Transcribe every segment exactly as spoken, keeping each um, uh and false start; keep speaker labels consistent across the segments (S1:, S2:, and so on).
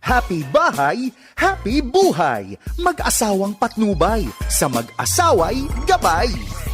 S1: Happy bahay, happy buhay. Mag-asawang patnubay, sa mag-asaway gabay.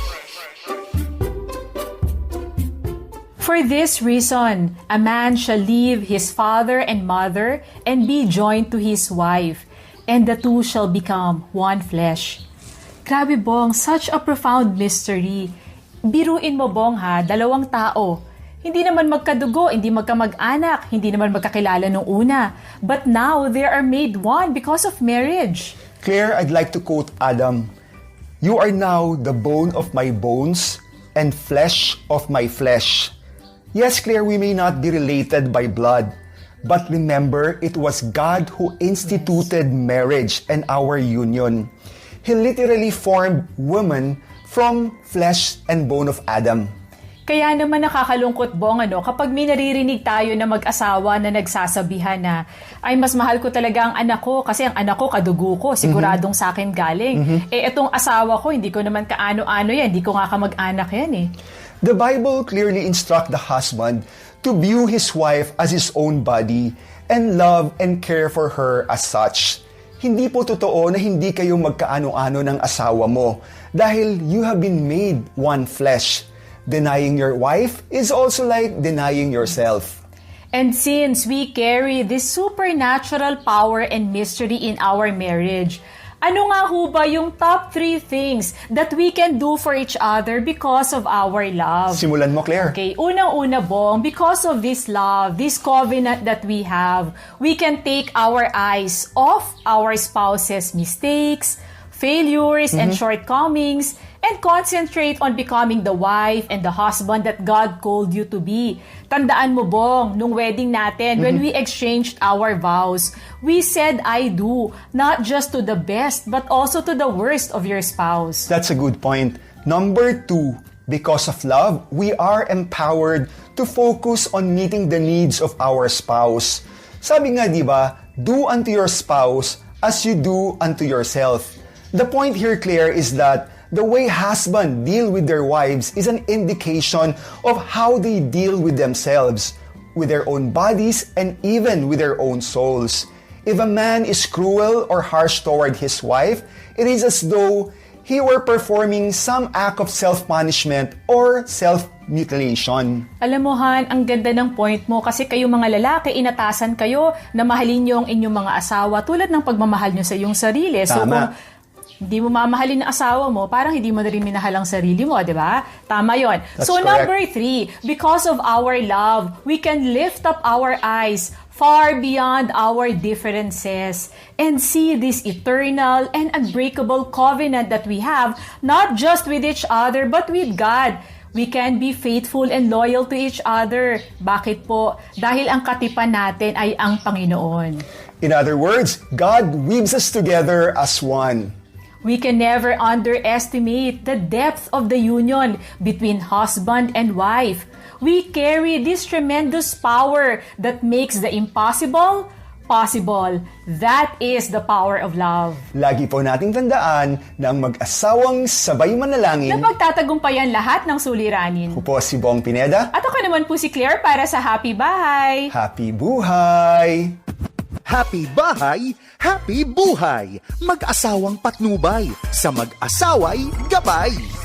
S2: For this reason, a man shall leave his father and mother and be joined to his wife, and the two shall become one flesh. Grabe, Bong, such a profound mystery. Biruin mo, Bong, ha, dalawang tao. Hindi naman magkadugo, hindi magkamag-anak, hindi naman magkakilala nung una. But now, they are made one because of marriage.
S3: Claire, I'd like to quote Adam. You are now the bone of my bones and flesh of my flesh. Yes, Claire, we may not be related by blood, but remember, it was God who instituted marriage and our union. He literally formed woman from flesh and bone of Adam.
S2: Kaya naman nakakalungkot, Bong, ano, kapag may naririnig tayo na mag-asawa na nagsasabihan na, ay, mas mahal ko talaga ang anak ko kasi ang anak ko kadugo ko, siguradong mm-hmm. sa akin galing. Mm-hmm. Eh, itong asawa ko, hindi ko naman kaano-ano yan, hindi ko nga kamag-anak yan eh.
S3: The Bible clearly instructs the husband to view his wife as his own body and love and care for her as such. Hindi po totoo na hindi kayo magkaano-ano ng asawa mo dahil you have been made one flesh. Denying your wife is also like denying yourself.
S2: And since we carry this supernatural power and mystery in our marriage, ano nga ho ba yung top three things that we can do for each other because of our love?
S3: Simulan mo, Claire.
S2: Okay, unang-una, Bong, because of this love, this covenant that we have, we can take our eyes off our spouse's mistakes, failures, mm-hmm. and shortcomings, and concentrate on becoming the wife and the husband that God called you to be. Tandaan mo, Bong, nung wedding natin, mm-hmm. when we exchanged our vows, we said, I do, not just to the best, but also to the worst of your spouse.
S3: That's a good point. Number two, because of love, we are empowered to focus on meeting the needs of our spouse. Sabi nga, di ba, do unto your spouse as you do unto yourself. The point here, Claire, is that the way husbands deal with their wives is an indication of how they deal with themselves, with their own bodies, and even with their own souls. If a man is cruel or harsh toward his wife, it is as though he were performing some act of self-punishment or self-mutilation.
S2: Alam mo, Han, ang ganda ng point mo kasi kayo mga lalaki, inatasan kayo na mahalin niyo ang inyong mga asawa tulad ng pagmamahal niyo sa iyong sarili.
S3: Tama.
S2: So kung hindi mo mamahalin ang asawa mo, parang hindi mo na rin minahal ang sarili mo, di ba? Tama yon. So
S3: correct.
S2: Number three, because of our love, we can lift up our eyes far beyond our differences and see this eternal and unbreakable covenant that we have, not just with each other, but with God. We can be faithful and loyal to each other. Bakit po? Dahil ang katipan natin ay ang Panginoon.
S3: In other words, God weaves us together as one.
S2: We can never underestimate the depth of the union between husband and wife. We carry this tremendous power that makes the impossible possible. That is the power of love.
S3: Lagi po nating tandaan na ang mag-asawang sabay manalangin
S2: Na pagtatagumpayan lahat ng suliranin.
S3: Ako po si Bong Pineda.
S2: At ako naman po si Claire para sa Happy Bahay.
S3: Happy buhay!
S1: Happy bahay, happy buhay. Mag-asawang patnubay, sa mag-asaway gabay.